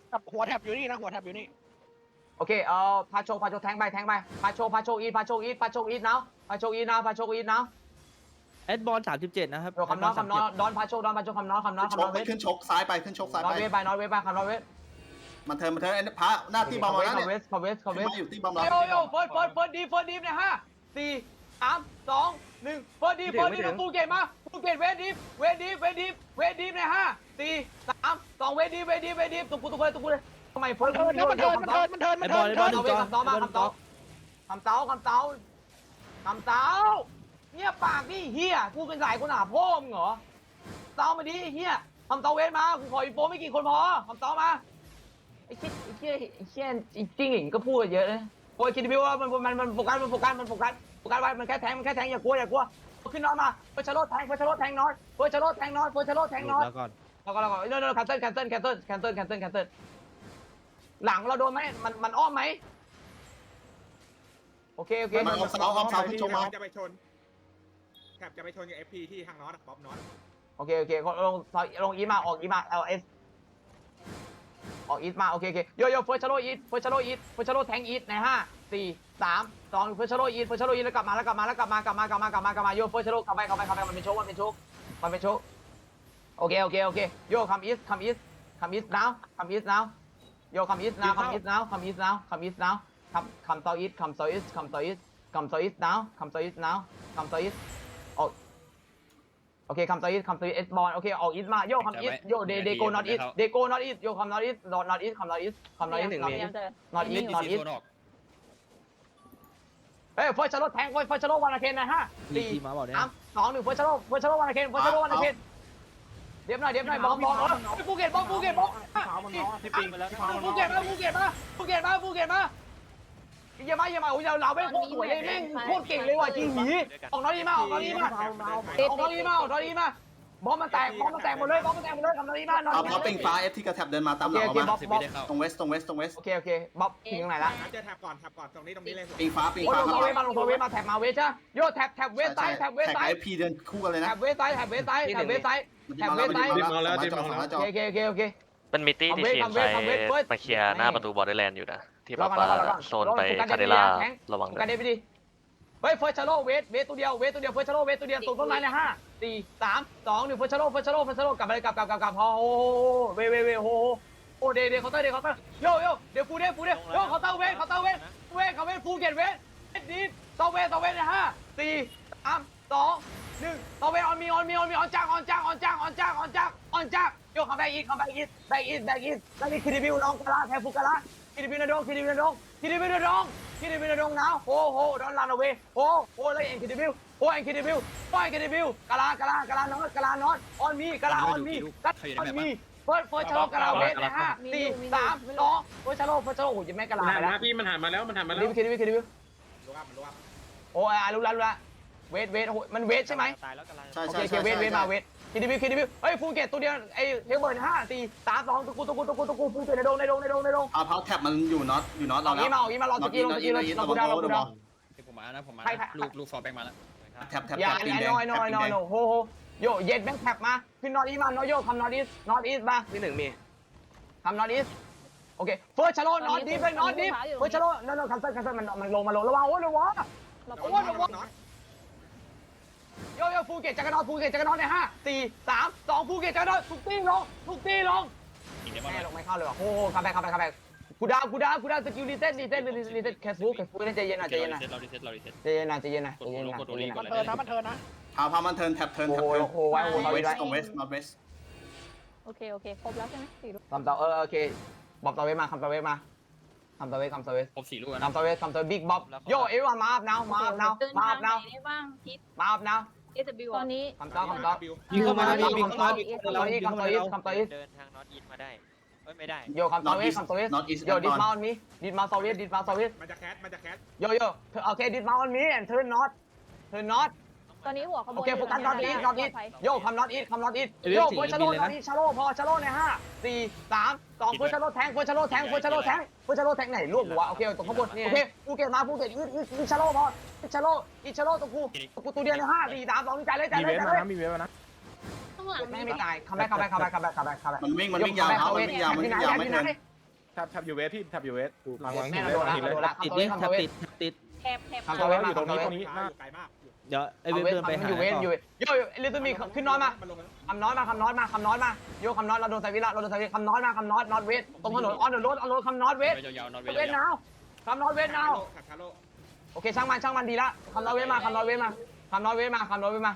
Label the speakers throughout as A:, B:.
A: กับหัวแท็บอยู่นี่นะหัวแท็บอยู่นี่
B: โอเคพาโชแทงไปพาโชอีทพาโชอีทนะพาโชอีทนะ
C: แอดบอล37นะครับ
B: คำน้อยดอนพาโชคำน้อยเวท
D: ขึ้นชกซ้ายไปขึ้นชกซ้าย
B: นอ
D: ไป
B: ตเวทไปคำน้อยเวท
D: มันเทิร์นพระหน้าที่บอมแล้วเนี่ย
B: คอมเวส
D: มาอยู่ที่บอมแล้ว
B: โยเฟิร์สดีเนี่ย5 4 3 2 1เฟิร์สดีนะฟูเกตมาฟูเกตเวทดีเนี่ย5 4 3 2เวทดีตุกเลยทำไมเฟิร์ส
A: มันเทิน
B: คำเต้าเนี่ยปากนี่เฮียกูเป็นสายคนหาพ่อมึงเหรอเต้ามาดิเฮียคำเต้าเวทมากูขออีโปไม่กี่คนพอคำเต้ามาไอ้เชี่ยจริงก็พูดเยอะเลยโอ้ยคิดดิว่ามันโฟกัสไว้มันแค่แทงอย่ากลัวขึ้นนอนมาเฟิร์ชโรแทงน้อยแล้วก็แคนเซิลหลังเราโดนไหมมันอ้อมไหมโอเค
D: มันเอาเสาขึ้นชกมา
E: จะไปชนแถบจะไปชนกับ FP ที่ทางน็อตป๊อปน็อต
B: โอเคลงอีมาออกอีมาLS ออกอีทมาโอเคโยเฟิร์ชโรแทงอีทใน5 4 3 2เฟิร์ชโรอีทแล้วกลับมาโยเฟิร์ชโรกลับไปมันเป็นโชคโอเคโยคัมอีสnowโยคัมอีส now คัมเซาอีส now โอเคคัมเซาอีสเอสบอลโอเคออกอีสมาโยคัมอีสโยเดโกนอตอีสโยคัมนอตอีสเฮ้ยเฟิร์ชโรแทงเฟิร์ชโรวันอาเคนนะ5 4 3 2 1เฟิร์ชโรวันอาเคนเดี๋ยวหน่อยบอมภูเก็ตบล็อก
A: ที่ปิงไปแล้ว
B: ภูเก็ตมาอย่ามาโอ้ยเราไม่โคตรสวยเลยแม่งโคตรเก่งเลยว่ะจริงหีออกนอรีมาบอมมันแตกหมดเลยทำนอรีมา
D: เอาปิงฟ้าเอฟที่กระแทบเดินมาตามหลังออกมาตรงเวสตรงเวส
B: โอเคบ๊อบถึงตรงไหนละ
E: เจอแถบก่อนตรงนี้เลย
D: ปิงฟ้า
B: โอ้ยลงเวทมาแท็บมาเวทใช่โยแท็บเวทไซด์
D: เอฟพีเดินคู่กันเลยนะ
B: แท็บเวทไซด์โอเค
F: มันมีตี้ที่ทีมไซมาเคลียร์หน้าประตูบอร์เดอร์แลนด์อยู่นะที่แบบว่าโซนไปคาเดล่าระวังด้ว
B: กันเด
F: ย
B: ไปดิเฮ้ยเฟิร์ชโรเวทตัวเดียวเฟิร์ชโรเวทตัวเดียวตรงต้นไม้เลย5 4 3 2 1เฟิร์ชโรกลับไปเลยกลับพอโอ้เวโอ้เดย์เคาน์เตอร์โยเดี๋ยวฟูเดโยเคาน์เตอร์เวทฟูเก็ตเวทดีต่อเวทเลย5 4 3 2 1ต่อเวทออนจักโยคัมแบ็กอีทคิดิบิวลองกะลาแทฟูกะลาคิดิบิวนาดงนะโอ้ดอนลันเอาเวโอ้เลยเอ็นคิดิบิวกะลานอตออนมีเฟิร์ชโลกะลาเวทนะ5 4 3 2เฟิร์ชโลโอ้ยแม่กะลาไปแล้ว
G: พี่มันหันมาแล้ว
B: คิดิบิว
E: รู้ว่า
B: โอ้รู้ละเวทมันเวทใช่ไหม
D: ใช่
B: โอเคเวทมาเวทคิดิบิวเฮ้ยฟูเก็ตตัวเดียวไอ้เทเบิร์น5 4 3 2ตะกูฟูเก็ตในดง
D: เอาเพาแท็บมันอยู่น็อตเราแล้ว
B: อีมารอตะกี้ลงกูดาว
C: ผมมานะลูกฟอร์แบงมาแล้ว
D: แท็บ
B: อย่า
D: ปิงแดง
B: น้อยโหโยเย็ดแบงค์แท็บมาขึ้นนอตอีมานอโยคำนอตอีสมา
A: ที่1มี
B: คำนอตอีสโอเคเฟิร์สชาโลนอตดีเป็นนอตดีเฟิร์สชาโลนคันเซิลมันลงระวังโอ้ยระวังโยฟูเก็ตจักรนอตใน5 4 3 2ฟูเก็ตจักรนอตทุกตีลงแม่ลงไม่เข้าเลยว่ะโอ้คัมแบ็กกูดาวสกิลรีเซ็ตแคสบุ๊กใจเย็นนะ
C: เรารีเซ็ต
A: มันเทินนะ
D: พามันเทิร์นแท็บเทิร์น
B: โอ้ไว้
D: ตรงเวสน็อตเวส
H: โอเคครบแล้วใช่ไหม4 ลูก
B: คำต่อโอเคบ๊อบต่อเวทมาคำต่อเวท
C: ครบ4 ลูกนะ
B: คำต่อเวทบิ๊กบ๊อบโยเอวันมาอัพนาวมาอัพนาว
H: ได้บ้างทิศ
B: มาอัพนาว
H: SW ตอนนี้
B: คำต่อ
C: ยิงเข้ามาแล้วพี่
B: คำต่ออีส
F: เดินทางน็อตอีทมาได้ไม่ได้
B: โยคำต่อเวทโยดิสมาออนมีดิสมาโซเวต
E: มันจะแคส
B: โยโอเคดิสมาออนมีแอนเทิร์นน็อต
H: ตอนนี้หัวขบวน
B: โอเคโฟกัสน็อตอีทโยคำน็อตอีทโยเฟิร์ชโลน็อตอีทชาโลพอชาโลใน5 4 3 2เฟิร์ชโลแทงไหนลูกหัวโอเคตรงข้างบนโอเคภูเก็ตอีชาโลพอชาโลตัวกูตัวเดียวใน5 4 3 2ใจเลย
A: มีเวฟนะ
H: ข้างหลัง
B: ไม่ตายคัมแบ็ค
D: มันวิ่งยาวไม่เทิร์น
A: แทบอยู่เวสพี่แทบอยู่เวสหลัง
B: แม่
A: หิน
B: เรา
A: เลย
B: โดน
A: หลั
B: ละ
A: งหิน
B: โด
A: เลย
B: นละคำตัวเวท
C: ติด
H: แถบ
B: คำตัวเวท
A: อยู่ตรงนี้
B: คำตัวเวท
A: ตรงนี้
E: อยู่ไกลมาก
C: เดี๋ยวไอเวฟเดินไป
B: มัน
C: หา
B: อยู่เวทอยู่โยลิตมีขึ้นน้อยมา
E: มันลงแล้ว
B: คำน้อยมาคำน้อยมาคำน้อยมาโยคำน้อยเราโดนไซวิละเราโดนไซวิคำน้อยมาคำน้อยนอตเวทตรงถนนออนเดอะโรดคำน้อยเวท
C: ยาวๆนอน
B: เวทนาวคำน้อยเวทนาว
E: ขับชาโล
B: โอเคช่างมันดีละคำน้อยเวทมาคำน้อยเวทมาคำน้อยเวทมาคำน้อยเวทมา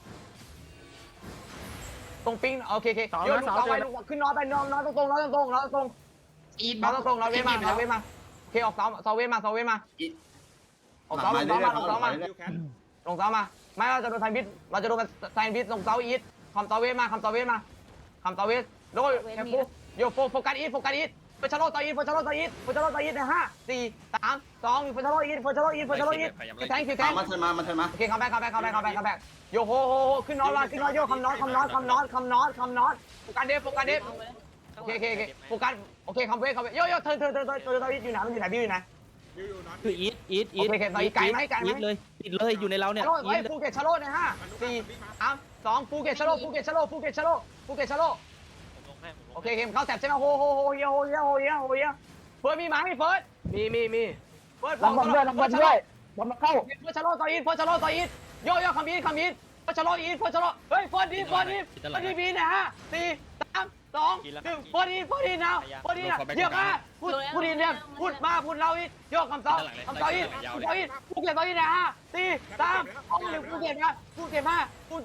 B: ตรงปิ้งโอเคโยลูกเสาไปลูกขึ้นน้อยไปน้อยตรงอีทตรงเราเวทมาโอเคออกเสาเวทมาออกเสามา
E: ดิวแคท
B: ลงเสามาไม่เราจะโดนไซบิทเราจะโดนไซบิทลงเสาอีทคำเสาเวทมาคำเสาเวทโดยแคปโยโฟกัสอีทเฟชโลต่ออีทใน5 4 3 2 1เฟชโลอีทแทง
D: มาเทินมา
B: โอเคคัมแบ็กโยโฮขึ้นนอนโยคำนอนโฟกัสเดฟโอเคโฟกัสโอเคคัมเวทโยเธออยู่ไหนบิวอยู่ไหน
E: ดิวอยู่นอน
C: คืออีท
B: โอเคต่ออีกไกลไหม
C: อีทเลยติดเลยอยู่ในเราเนี่ย
B: ไอ้ภูเก็ตชาโลใน5 4 3 2ภูเก็ตชาโลโอเคเข้าแสบใช่ไหมโฮเฮียเฟิร์สมีไหมเฟิร์สมีเฟิร์สบอลด้วยบอลมาเข้าเฟิร์สชาโลต่ออีทโยคัมอีทเฟิร์สชาโลอีทเฮ้ยเฟิร์สดีบีนะ4 3 2 1เฟิร์สดีนะเยอะมากพูดดีเนี่ยพูดเราอีกโยคำต่ออีทภูเก็ตต่ออีทนะ4 3 2 1ภูเก็ตมา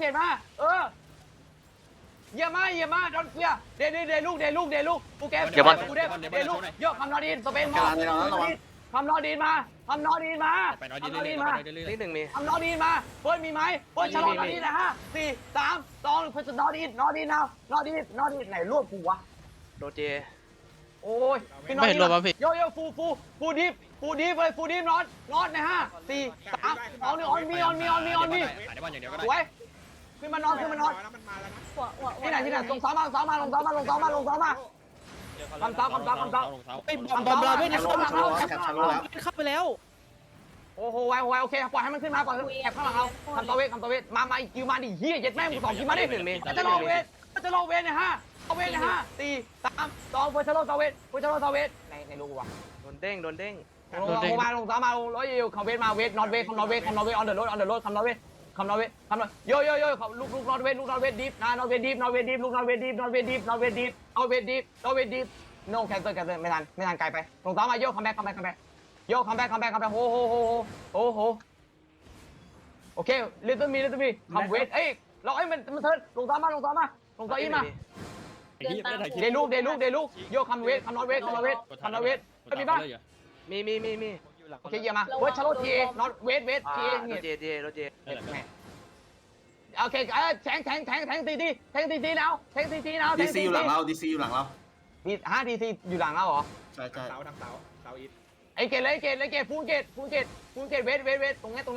B: เยี่ยมากดอนเกียเดลูกภูเก็ตเดลูกโยกคำนอดีนสเปนมาคำนอดีนมา
C: ไปนอนดีนิดหนึ่งมี
B: คำนอดีนมาเฟิร์สมีไหมเฟิร์สชะลอนอดีนนะ4 3 2เฟิร์สนอดีนไหนรวบกูวะ
C: โดเจ
B: โอ้ยไม่เห็นรวบป่ะพี่โยฟูดิฟเลยนอตนะ4 3 2 1ออนมี
C: หาได้บ้านอย่างเดียวก็ได้
B: สวยขึ้นมานอน
E: แล้วมันมาแล้วนะ
B: ที่ไหนลงซ้อมมาคำซ้อคำซ้อ
C: ไอ้บอมเราไม่ได้เข้า
D: แคปชาโลแล้ว
C: เข้าไปแล้ว
B: โอ้โหไวโอเคปล่อยให้มันขึ้นมาก่อนแอบข้างหลังเราคำตอเวทมาอีกคิวมาดิเฮียเย็ดแม่มึง2คิวมาดิจะลงเวทนะฮะเอาเวทนะฮะ4 3 2เฟิร์สชาโลตอเวทในลูกวะ
C: โดนเด้ง
B: ลงซ้อมมาร้อยยิวคำเวทมาเวทนอตเวทคำนอเวทออนเดอร์โรดคำนอเวทโยลูกนอตเวทดิฟนะนอตเวทดิฟลูกนอตเวทดิฟเอาเวทดิฟโนแคนเซิลไม่ทันไกลไปลงซ้อมมาโยคัมแบ็กโยคัมแบ็กโอ้โหโอเคลิตเติ้ลมีคัมเวทเอ้ยเรามันเทิร์นลงซ้อมมาลงซ้ออีมาเดลูกโยคัมเวทคัมนอตเวทมีบ้างมีโอเคเยี่ยมมาเวทชาโลทีเอนอตเวททีเอเนี่ยโอเคแทงตีแล้ว
D: ดีซีอยู่หลังเรา
B: มี5 DC อยู่หลังเราเหรอ
D: ใช่
E: ทางเสาอีท
B: ไอ้เกตเลยฟูเกตเวทตรงนี้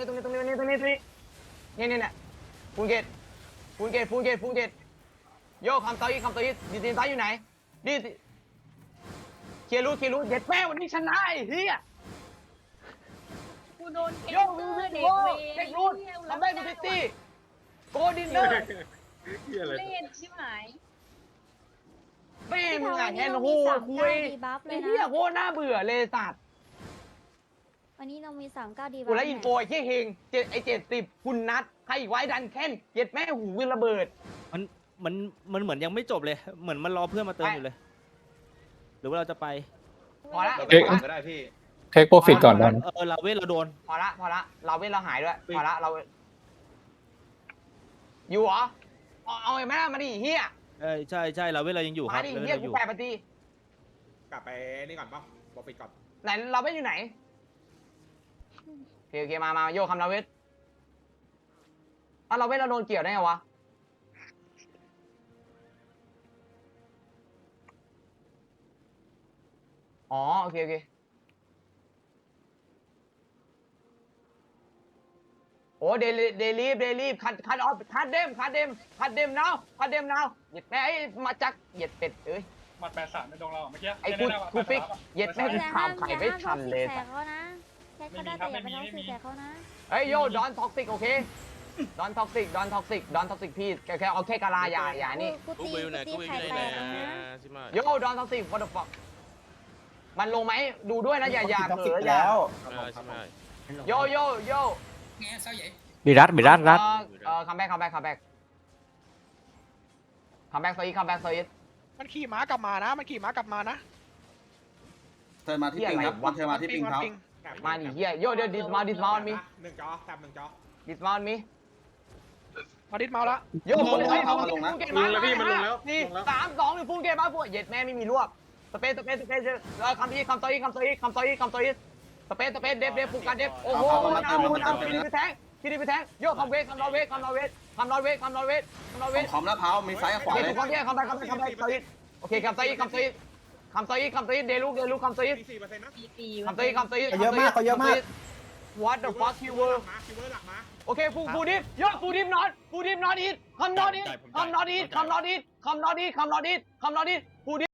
B: เนี่ยฟูเกตโยคำต่ออีดีซีซ้ายอยู่ไหนดีเคลียร์รูทเด็ดแม่วันนี้ชนะไอ้เหี้ย
H: กูโดน
B: โยเด็กรูททำได้ดูซิตี้โกดินเนอร์
H: เล่นชิบหาย
B: แม่มึงแฮนด์โฮคุยไอ้เหี้ยโคตรน่าเบื่อเลยสัตว์
G: วันนี้เรามี39ดี
B: กูแล้วอินโฟไอ้เฮง70คุณนัทใครอีกไว้ดันแค้นเย็ดแม่หูวินระเบิด
C: มันเหมือนยังไม่จบเลยเหมือนมันรอเพื่อนมาเติมอยู่เลยหรือว่าเราจะไป
B: พอละ
E: ก็ได้พี่
I: เทคโปรฟิตก่อนดัน
C: เราเว้เราโดน
B: พอละเราเว้นเราหายด้วยพอละเราอยู่เหรอเอาไอ้แม่มาดิเฮีย
C: ใช่เราเว้เรายังอยู่ค
B: มา
C: รับ
B: ดิ
C: เรา
B: เฮีย
C: ยังอ
B: กู
C: ยู่
B: แปะปฏิ
E: กลับไปนี่ก่อนป่ะบอกปิดก่อน
B: ไหนเราเว้นอยู่ไหนโอเคมาโยคำเราเว้นเราเว้นเราโดนเกี่ยวได้ไงวะอ๋อโอเคโอ้เดลีฟคัดออฟคัดเดมนาวเหยียดแม่ไอ้มาจักเหยียดเป็ดเอ้ย
A: มัด83ในดวงเราเมื่อกี้
B: ไอ้กูฟิกเหยียดแม่กูถามไข่ไม่ทันเลย
G: แตกเขานะแค่ก็ได้แต่อย่าไปท้องสีแตกเขานะ
B: เฮ้ยโยดอนท็อกซิกโอเคดอนท็อกซิกพี่แค่เอาแค่กะลาอย่านี่
G: กูตีไข่แตกนะ
B: โยดอนท็อกซิก what the fuck มันลงไหมดูด้วยนะอย่าเผลออย่าโยโยโย
C: บิรัดรัด
B: คัมแบ็กคัมแบ็กคัมแบ็กโซอีคัมแบ็กโซอี
I: มันขี่ม้ากลับมานะ มันขี่ม้ากลับมานะ
D: เทิร์นมาที่ปิงครับเทิร์นมาที่ปิงเขา
B: มาดิเฮียโยเดี๋ยวดิสมามี
E: หนึ่งจอแถบหนึ่งจอ
B: ดิสมามี
I: มาดิดเมาแล้ว
B: โยพุ่งเกมมาแล้วพี่มันลงแล้วนี่3 2 1พุ่งเกมมาพวกเย็ดแม่ไม่มีรวบสเปซคัมโซอีสเปซเดฟฟูกันเดฟโอ้โหน้ำพี่ดิไปแทงโยคัมเวทคัมนอเวท
D: คอมแล้วเท้ามีซ้ายกับขวา
B: โอเค
D: เลย
B: ถูกต้องคัมแบ็กโซอีโอเคคัมโซอีเดลูคัมโซอี
E: 4%นะ
B: คัมโซอี
A: เยอะมากเขาเยอะมาก
B: What the fuck you were
E: คิวเวอร์หลักมา
B: โอเคฟูดิฟโยฟูดิฟนอตอีทคัมนอตอีทฟูดิฟ